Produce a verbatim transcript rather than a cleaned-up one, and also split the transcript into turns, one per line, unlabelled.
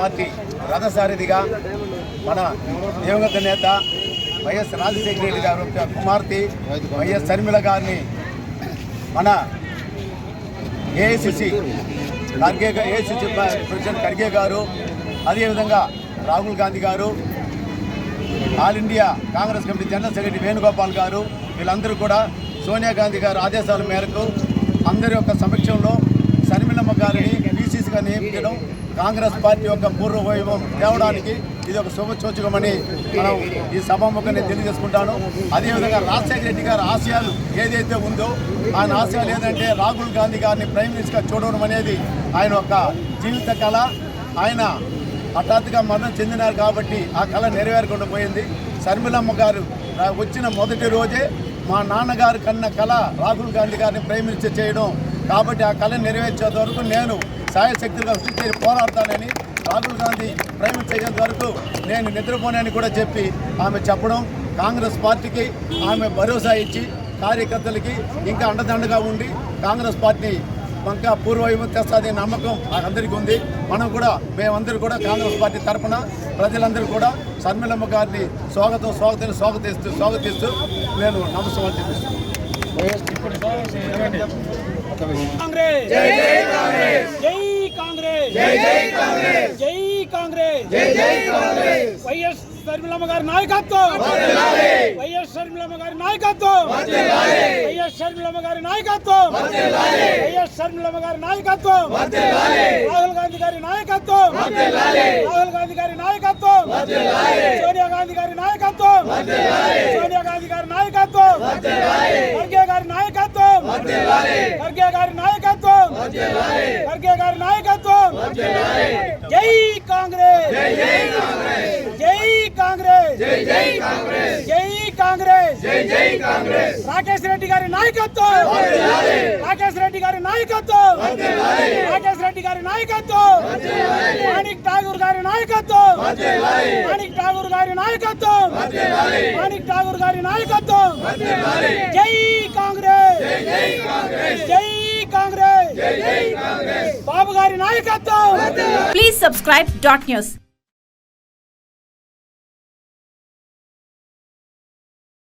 Party రథసారథిగా మన దివంగత నేత వైఎస్ రాజశేఖర రెడ్డి గారి యొక్క కుమార్తె వైఎస్ షర్మిల గారిని మన AICC Kharge AICC president Kharge గారు, అదేవిధంగా రాహుల్ గాంధీ గారు, All India Congress Committee General Secretary Venugopal గారు, వీళ్ళందరూ కూడా సోనియా గాంధీ గారు ఆదేశాల మేరకు అందరి యొక్క సమక్షంలో షర్మిలమ్మ గారిని పీసీసీగా నియమించడం కాంగ్రెస్ పార్టీ యొక్క పూర్వ వైభవం తేవడానికి ఇది ఒక శుభసూచకమని మనం ఈ సభాముఖంగా తెలియజేసుకుంటాను. అదేవిధంగా రాజశేఖర రెడ్డి గారి ఆశయాలు ఏదైతే ఉందో ఆయన ఆశయాలు ఏంటంటే రాహుల్ గాంధీ గారిని ప్రైమ్ మినిస్టర్గా చూడడం అనేది ఆయన యొక్క జీవిత కళ. ఆయన హఠాత్తుగా మరణం చెందినారు కాబట్టి ఆ కళ నెరవేరకుండా పోయింది. షర్మిలమ్మ గారు వచ్చిన మొదటి రోజే మా నాన్నగారు కన్న కళ రాహుల్ గాంధీ గారిని ప్రైమ్ మినిస్టర్ చేయడం కాబట్టి ఆ కళ నెరవేర్చేంత వరకు నేను సాయశక్తులుగా సృష్టి పోరాడతానని, రాహుల్ గాంధీ ప్రైమ్ మినిస్టర్ అయ్యేంత వరకు నేను నిద్రపోనని కూడా చెప్పి ఆమె చెప్పడం కాంగ్రెస్ పార్టీకి ఆమె భరోసా ఇచ్చి కార్యకర్తలకి ఇంకా అండదండగా ఉండి కాంగ్రెస్ పార్టీ ఇంకా పూర్వవైపు తెస్తుంది నమ్మకం అందరికీ ఉంది. మనం కూడా మేమందరూ కూడా కాంగ్రెస్ పార్టీ తరఫున ప్రజలందరూ కూడా షర్మిలమ్మ గారిని స్వాగతం స్వాగతం స్వాగతిస్తూ స్వాగతిస్తూ నేను నమస్కారం చెల్లిస్తున్నాను.
కాంగ్రెస్ జై జై కాంగ్రెస్ జై కాంగ్రెస్ జై జై కాంగ్రెస్ జై కాంగ్రెస్ జై జై కాంగ్రెస్ వైఎస్ షర్మిలమ్మ గారి నాయకత్వం వర్ధిల్లాలి వైఎస్ షర్మిలమ్మ గారి నాయకత్వం వర్ధిల్లాలి వైఎస్ షర్మిలమ్మ గారి నాయకత్వం వర్ధిల్లాలి వైఎస్ షర్మిలమ్మ గారి నాయకత్వం వర్ధిల్లాలి రాహుల్ గాంధీ గారి నాయకత్వం వర్ధిల్లాలి రాహుల్ గాంధీ గారి నాయకత్వం వర్ధిల్లాలి సోనియా గాంధీ గారి నాయకత్వం వర్ధిల్లాలి సోనియా గాంధీ గారి నాయకత్వం వర్ధిల్లాలి ఖర్గే గారి నాయకత్వం వర్ధిల్లాలి ఖర్గే గారి నాయకత్వం వర్ధిల్లాలి ఖర్గే గారి నాయకత్వం వర్ధిల్లాలి జై కాంగ్రెస్ జై జై కాంగ్రెస్ జై కాంగ్రెస్ జై జై కాంగ్రెస్ జై కాంగ్రెస్ జై జై కాంగ్రెస్ రాకేష్ రెడ్డి గారి నాయకత్వం వర్ధిల్లాలి రాకేష్ రెడ్డి గారి నాయకత్వం వర్ధిల్లాలి రాకేష్ రెడ్డి గారి నాయకత్వం వర్ధిల్లాలి మాణిక్ ఠాగూర్ గారి నాయకత్వం వర్ధిల్లాలి మాణిక్ ఠాగూర్ గారి నాయకత్వం వర్ధిల్లాలి మాణిక్ ఠాగూర్ గారి నాయకత్వం వర్ధిల్లాలి జై కాంగ్రెస్ జై జై కాంగ్రెస్ జై కాంగ్రెస్ జై జై కాంగ్రెస్ బాబు గారి నాయకత్వం.
Please subscribe dot news.